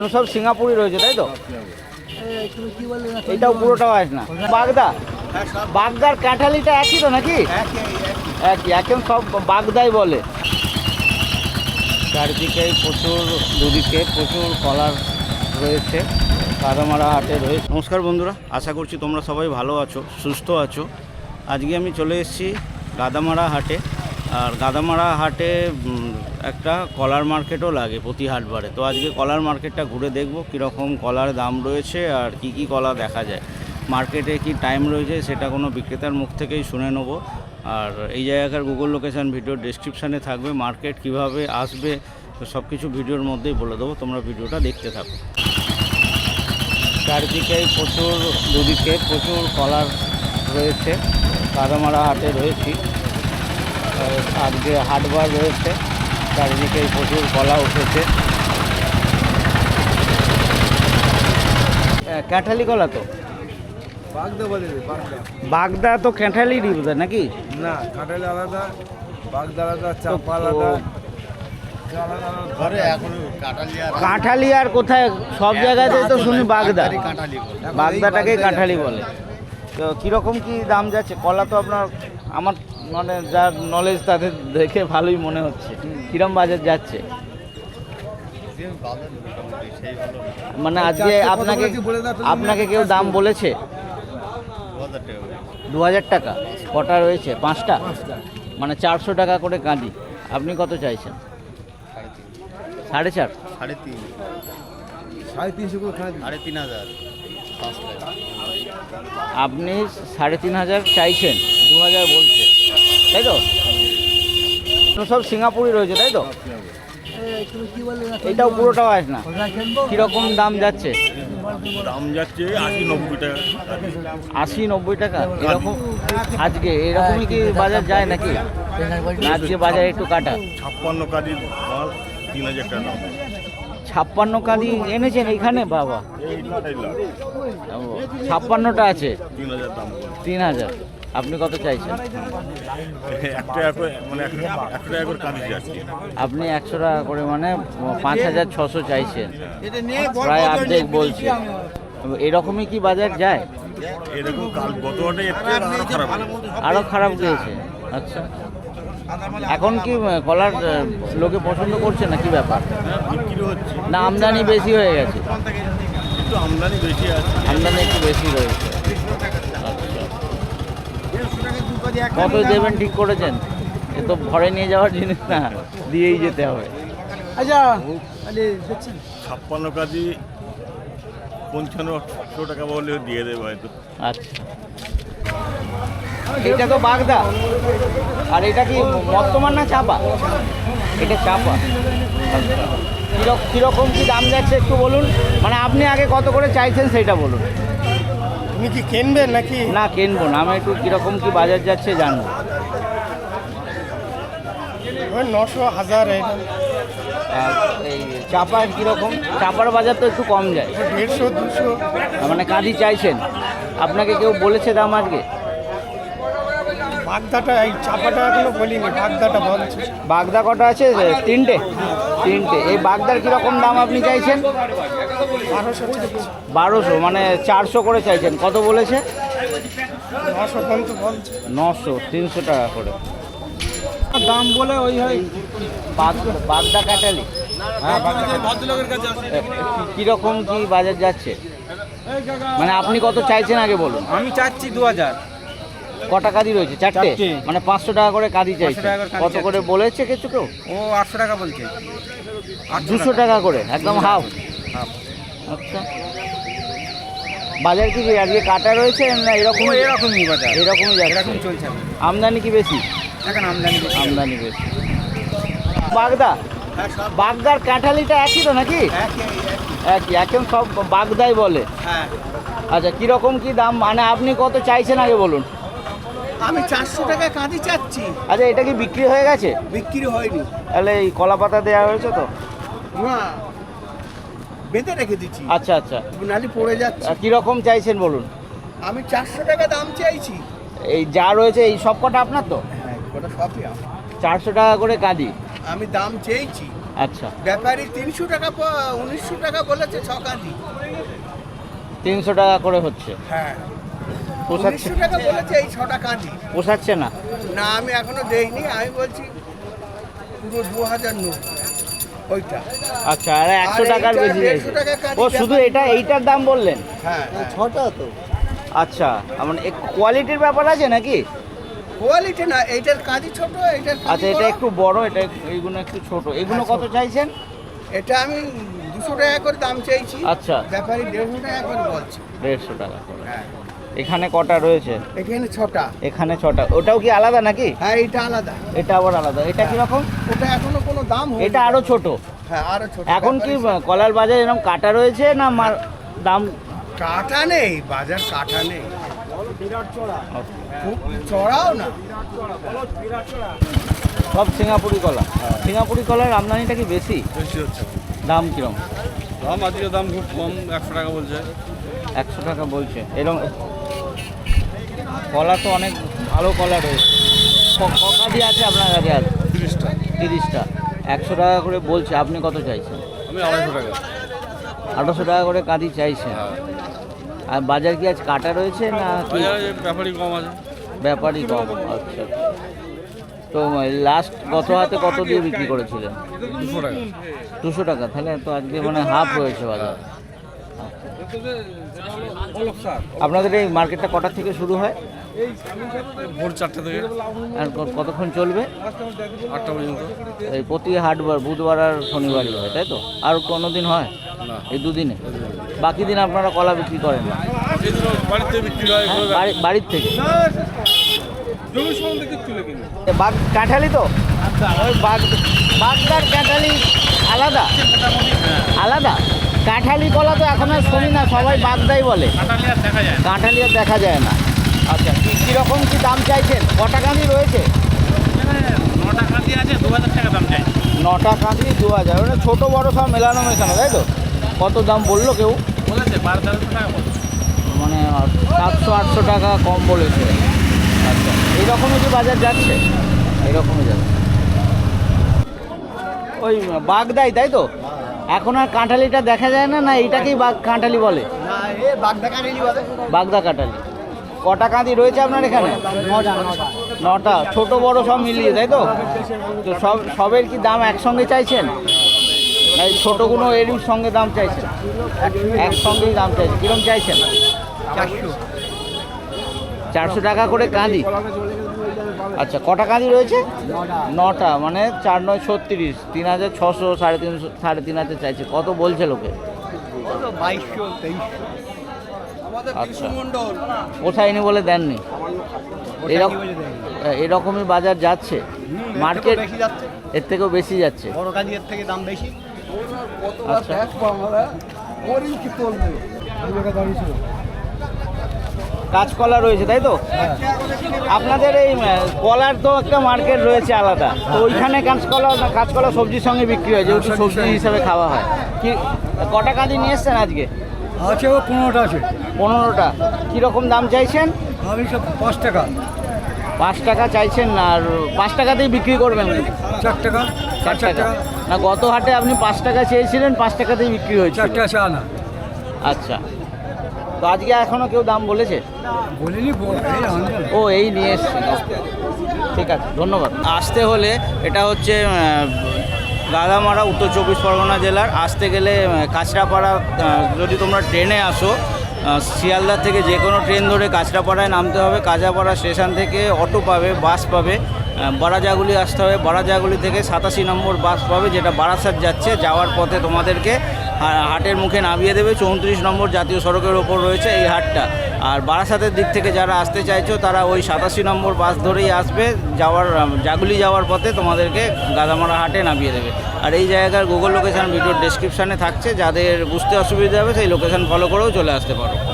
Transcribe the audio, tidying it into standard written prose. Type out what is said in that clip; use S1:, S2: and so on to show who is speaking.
S1: সব সিঙ্গাপুরি রয়েছে তাই তো? এটাও পুরোটাও আসে না। বাগদা, বাগদার কাঁঠালিটা একই তো নাকি? একই, এখন সব বাগদাই বলে। চারিদিকে প্রচুর, দুদিকে প্রচুর কলার রয়েছে। গাদামারা হাটে রয়েছে। নমস্কার বন্ধুরা, আশা করছি তোমরা সবাই ভালো আছো, সুস্থ আছো। আজকে আমি চলে এসেছি গাদামারা হাটে। আর গাদামারা হাটে একটা কলার মার্কেটও লাগে প্রতি হাটবারে। তো আজকে কলার মার্কেটটা ঘুরে দেখব কীরকম কলার দাম রয়েছে আর কি কি কলা দেখা যায়। মার্কেটে কি টাইম রয়েছে সেটা কোনো বিক্রেতার মুখ থেকেই শুনে নেব। আর এই জায়গাকার গুগল লোকেশান ভিডিওর ডেসক্রিপশানে থাকবে। মার্কেট কিভাবে আসবে তো সব কিছু ভিডিওর মধ্যেই বলে দেবো, তোমরা ভিডিওটা দেখতে থাকো। চারদিকেই প্রচুর, দুদিকে প্রচুর কলার রয়েছে। গাদামারা হাটে রয়েছি, আজকে হাটবার রয়েছে। চারিদিকে প্রচুর কলা উঠেছে। ক্যাঁঠালি কলা তো
S2: বাগদা বলে,
S1: বাগদা তো ক্যাঁঠালিরই বোধ নাকি?
S2: না, কাঁঠালি আলাদা, বাগদা আলাদা, চাপা আলাদা।
S1: কাঁঠালি আর কোথায়? সব জায়গাতে তো শুনি বাগদা, বাগদাটাকেই কাঁঠালি বলে। তো কীরকম কি দাম যাচ্ছে কলা? তো আপনার, আমার মানে যার নলেজ তাদের দেখে ভালোই মনে হচ্ছে। কিরম বাজার যাচ্ছে মানে আজকে? আপনাকে কেউ দাম বলেছে? 2000 টাকা। কটা রয়েছে? 5টা, মানে 400 টাকা করে কাঁদি। আপনি কত চাইছেন? 4.5,
S2: 3.5
S1: আপনি 3,500 চাইছেন, 2000 বলছে তাই তো? সব সিঙ্গাপুরি রয়েছে তাই তো? এটাও পুরোটাও আসে না। কীরকম দাম যাচ্ছে?
S2: দাম যাচ্ছে 80-90 টাকা।
S1: 80-90 টাকা এরকম আজকে? এরকমই কি বাজার যায় নাকি? আজকে বাজার একটু কাটা।
S2: 56 কাদির মাল 3000 টাকা দাম।
S1: 56 কাঁদি এনেছেন এইখানে? বাবা, 56টা আছে,
S2: 3000 দাম।
S1: 3000। আপনি কত চাইছেন?
S2: 1 টাকা করে, মানে 1 টাকা করে কাঁদি যাচ্ছে।
S1: আপনি 100 টাকা করে, মানে 5600 চাইছেন, প্রায় অর্ধেক বলছে। এরকমই কি বাজার যায়?
S2: এরকম কাল গত হাটে আরো খারাপ,
S1: আরও খারাপ গিয়েছে। আচ্ছা, এখন কি কলার লোকে পছন্দ করছে না, কি ব্যাপার?
S2: বিক্রি হচ্ছে
S1: না আমদানি বেশি হয়ে গেছে?
S2: কিন্তু আমদানি বেশি আছে।
S1: আমদানি একটু বেশি রয়েছে। কত দেবেন ঠিক করেছেন? এ তো ঘরে নিয়ে যাওয়ার জিনিস না, দিয়েই যেতে হবে। আচ্ছা,
S2: 56 কাদি 5500 টাকা বলে দিয়ে দেবে হয়তো।
S1: আচ্ছা, এটা তো বাগদা। আর এটা কি বর্তমান না চাপা? এটা চাপা। কীরকম কি দাম যাচ্ছে একটু বলুন। মানে আপনি আগে কত করে চাইছেন সেটা বলুন।
S2: তুমি কি কিনবেন নাকি?
S1: না, কিনবো না আমি। একটু কীরকম কি বাজার যাচ্ছে জানবো।
S2: 900-1000।
S1: আর এই চাপার কীরকম? চাপার বাজার তো একটু কম যায়,
S2: 150-200।
S1: মানে কাঁদি চাইছেন। আপনাকে কেউ বলেছে দাম আজকে?
S2: বাগদাটা, এই চাপাটা এখনো বলিনি, বাগদাটা বলছে।
S1: বাগদা কটা আছে? 3টে। এই বাগদার কীরকম দাম আপনি চাইছেন? 1200, মানে 400 করে চাইছেন। কত বলেছে?
S2: 900 পর্যন্ত বলছে।
S1: 900, 300 টাকা করে
S2: দাম বলে ওই হয়।
S1: বাগদা কাটালি কীরকম কি বাজার যাচ্ছে? মানে আপনি কত চাইছেন আগে বলুন।
S2: আমি চাচ্ছি 2000।
S1: কটা কাঁদি রয়েছে? 4টে, মানে 500 টাকা করে কাঁদি চাইছে। কত করে বলেছে কিছু কেউ?
S2: ও 800 টাকা বলছে।
S1: 200 টাকা করে, একদম হাফ। আচ্ছা, বাজার কি আজকে কাটা রয়েছে না
S2: এরকমই বাজার?
S1: এরকমই যাচ্ছে,
S2: এরকম চলছে।
S1: আমদানি কি বেশি?
S2: এখন আমদানি
S1: বেশি। বাগদা, বাগদার কাঁঠালিটা একই তো নাকি? একই, এখন সব বাগদাই বলে।
S2: হ্যাঁ।
S1: আচ্ছা, কীরকম কি দাম? মানে আপনি কত চাইছেন আগে বলুন।
S2: আমি 400 টাকা কাঁদি চাচ্ছি।
S1: আচ্ছা, এটা কি বিক্রি হয়ে গেছে?
S2: বিক্রি হয়নি।
S1: তাহলে এই কলা পাতা দেওয়া হয়েছে তো?
S2: না, বেঁধে রেখে দিচ্ছি।
S1: আচ্ছা আচ্ছা,
S2: নালি পড়ে যাচ্ছে।
S1: কীরকম চাইছেন বলুন।
S2: আমি 400 টাকা দাম চাইছি।
S1: এই যা রয়েছে এই সব কটা আপনার তো?
S2: হ্যাঁ, ওটা সবই আমার।
S1: 400 টাকা করে কাঁদি
S2: আমি দাম চেয়েছি।
S1: আচ্ছা,
S3: ব্যাপারী 300 টাকা 1900 টাকা বলেছে 6 কাঁদি।
S1: 300 টাকা করে হচ্ছে।
S3: হ্যাঁ,
S1: পোষাচ্ছে
S3: 1900 টাকা বলেছে এই 6টা কাঁদি।
S1: পোষাচ্ছে না?
S3: না, আমি এখনো দেইনি, আমি বলছি পুরো 2000 নোট ওইটা।
S1: আচ্ছা, আর 100
S3: আর
S1: টাকার
S3: এইটা
S1: বেশি
S3: 150
S1: চাইছে।
S3: টাকা কাঁদি
S1: ও শুধু এইটার দাম বললেন?
S3: হ্যাঁ, 6টা তো।
S1: আচ্ছা, মানে কোয়ালিটির ব্যাপার আছে নাকি?
S3: কোয়ালিটি না, এইটার কাঁদি ছোট, এইটার
S1: আচ্ছা,
S3: কাঁদি
S1: এটা
S3: বড়।
S1: একটু বড়, এইগুলো একটু ছোট। এগুলো
S3: হ্যাঁ,
S1: কত চাইছেন?
S3: এটা আমি 200 টাকা করে দাম চাইছি।
S1: আচ্ছা।
S3: ব্যাপারী 150 টাকা করে বলছে।
S1: 150 টাকা করে।
S3: হ্যাঁ,
S1: এখানে কটা রয়েছে?
S3: এখানে 6টা।
S1: এখানে 6টা। ওটাও কি আলাদা নাকি?
S3: হ্যাঁ, এটা আলাদা।
S1: এটা আবার আলাদা। এটা কি রকম?
S3: ওটা এখনো কোনো দাম হয়নি।
S1: এটা আরো ছোট।
S3: হ্যাঁ, আরো ছোট।
S1: এখন কি
S3: ব্যাপারী-
S1: কলার বাজারে এরকম কাটা রয়েছে না দাম?
S3: কাটা নেই, বাজার কাটা নেই, খুব চড়াও না।
S1: সব সিঙ্গাপুরি কলা। সিঙ্গাপুরি কলার আমদানিটা কি বেশি?
S2: বেশি হচ্ছে।
S1: দাম কিরম?
S2: দাম আজকে দাম খুব কম, 100 টাকা বলছে।
S1: 100 টাকা বলছে। এরকম কলা তো অনেক ভালো কলা রয়েছে। কাঁদি আছে আপনার কাছে? আর
S2: 30টা।
S1: 30টা। 100 টাকা করে বলছে, আপনি কত চাইছেন?
S2: আমি 250 টাকা।
S1: 1800 টাকা করে কাঁদি চাইছেন।
S2: হ্যাঁ,
S1: আর বাজার কি আজ কাটা রয়েছে না কি?
S2: বাজারে ব্যাপারই কম আছে।
S1: ব্যাপারই কম। আচ্ছা, তো লাস্ট গত হাতে কত দিয়ে বিক্রি করেছিলেন?
S2: 200 টাকা।
S1: 200 টাকা। তাহলে তো আজকে মানে হাফ রয়েছে বাজার। আপনাদের এই মার্কেটটা কটার থেকে শুরু হয়
S2: ভোর 4টা থেকে
S1: আর কতক্ষণ চলবে?
S2: 8টা পর্যন্ত।
S1: এই প্রতি হাটবার, বুধবার আর শনিবারই হয়, তাই তো? আর কোনো দিন হয়?
S2: না,
S1: এই দুদিনে? বাকি দিন আপনারা কলা বিক্রি করেন না?
S2: এগুলো বাড়িতে বিক্রি হয়।
S1: বাড়ির থেকে?
S2: জমি সম্বন্ধে কিছু লেখেনি।
S1: বাগ কাঁঠালি তো? ওই বাগদার কাঁঠালি আলাদা? আলাদা? কাঁঠালি কলা তো এখন আর শুনি না, সবাই বাগদাই বলে। কাঁঠালি আর দেখা যায় না। আচ্ছা, কীরকম কি দাম চাইছেন? কটা কাঁদি রয়েছে?
S2: 9টা কাঁদি আছে, 2000 টাকা দাম চাই।
S1: 9টা কাঁদি 2000। মানে ছোটো বড়ো সব মেলানো মেশানো, তাই তো? কত দাম বললো কেউ?
S2: বলেছে 1200 টাকা বলেছে।
S1: মানে 700-800 টাকা কম বলেছে। আচ্ছা, এইরকমই কি বাজার যাচ্ছে? এইরকমই যাচ্ছে। ওই বাগদাই, তাই তো? এখন আর কাঁঠালিটা দেখা যায় না, না এইটাকেই কাঁঠালি বলে?
S3: না, এ বাগদা কাঁঠালি বলে।
S1: বাগদা কাঁঠালি। কটা কাঁদি রয়েছে আপনার এখানে? 9টা। ছোট বড় সব মিলিয়ে, তাই তো? তো সবের কি দাম একসঙ্গে চাইছেন? এই ছোটোগুলো এরই সঙ্গে দাম চাইছেন? একসঙ্গেই দাম চাইছেন। কীরকম চাইছেন? 400 টাকা করে কাঁদি। আচ্ছা, কটা কাঁদি রয়েছে? 9টা। মানে 4 9 36, 3600, 350, 3,500 চাইছে। কত বলছে লোকে?
S3: 2200 2300।
S1: আচ্ছা, পোষায়নি বলে দেননি? এরকমই বাজার যাচ্ছে মার্কেট?
S3: বেশি যাচ্ছে,
S1: এর থেকেও বেশি যাচ্ছে?
S3: বড় কাঁদি এর থেকে দাম বেশি।
S1: আচ্ছা, কাঁচকলা রয়েছে, তাই তো? আপনাদের এই কলার তো একটা মার্কেট রয়েছে আলাদা, তো ওইখানে কাঁচকলা সবজির সঙ্গে বিক্রি হয়, যেহেতু সবজি হিসাবে খাওয়া হয়। কি কটা কাঁদি নিয়ে এসছেন আজকে?
S3: আছে, ও 15টা আছে।
S1: 15টা। কীরকম দাম চাইছেন?
S3: আমি সব 5 টাকা।
S1: 5 টাকা চাইছেন? আর 5 টাকাতেই বিক্রি করবেন?
S3: 4 টাকা।
S1: 4 টাকা। না, গত হাটে আপনি 5 টাকা চেয়েছিলেন, 5 টাকাতেই বিক্রি হয়েছে।
S3: 4 টাকা চা না।
S1: আচ্ছা, তো আজকে এখনো কেউ দাম বলেছে?
S3: বলিনি,
S1: ও এই নিয়ে এসছে। ঠিক আছে, ধন্যবাদ। আসতে হলে এটা হচ্ছে গাদামারা, উত্তর 24 পরগনা জেলার। আসতে গেলে কাঁচরাপাড়া, যদি তোমরা ট্রেনে আসো শিয়ালদা থেকে যে কোনো ট্রেন ধরে কাঁচরাপাড়ায় নামতে হবে। কাঁচরাপাড়া স্টেশন থেকে অটো পাবে, বাস পাবে। বারাজাগুলি আসতে হবে। বারাজাগুলি থেকে 87 নম্বর বাস পাবে, যেটা বারাসাত যাচ্ছে। যাওয়ার পথে তোমাদেরকে হাটের মুখে নামিয়ে দেবে। 34 নম্বর জাতীয় সড়কের ওপর রয়েছে এই হাটটা। আর বারাসাতের দিক থেকে যারা আসতে চাইছো তারা ওই 87 নম্বর বাস ধরেই আসবে। জাগুলি যাওয়ার পথে তোমাদেরকে গাদামারা হাটে নামিয়ে দেবে। আর এই জায়গার গুগল লোকেশান ভিডিওর ডেসক্রিপশানে থাকছে, যাদের বুঝতে অসুবিধা হবে সেই লোকেশান ফলো করেও চলে আসতে পারো।